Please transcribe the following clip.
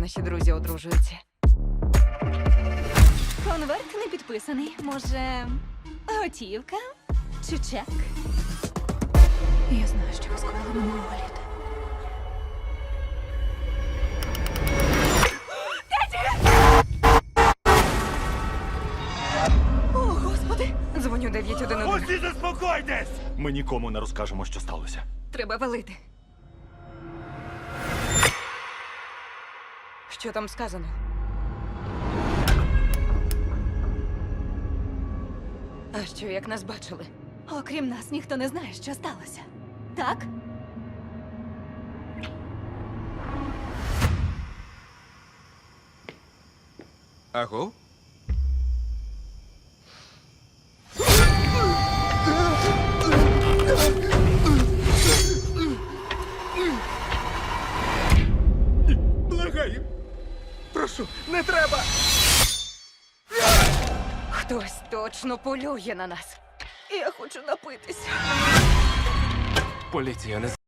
наші друзі одружуються. Конверт не підписаний. Може, готівка чи чек? Я знаю, що ви скоїли минулого літа. О, Господи! Дзвоню 911. Усі заспокойтесь! Ми нікому не розкажемо, що сталося. Треба валити. Що там сказано? А що, як нас бачили? Окрім нас, ніхто не знає, що сталося. Так? Аго? Благаю. Прошу, не треба. Хтось точно полює на нас. Я хочу напитися. Поліція не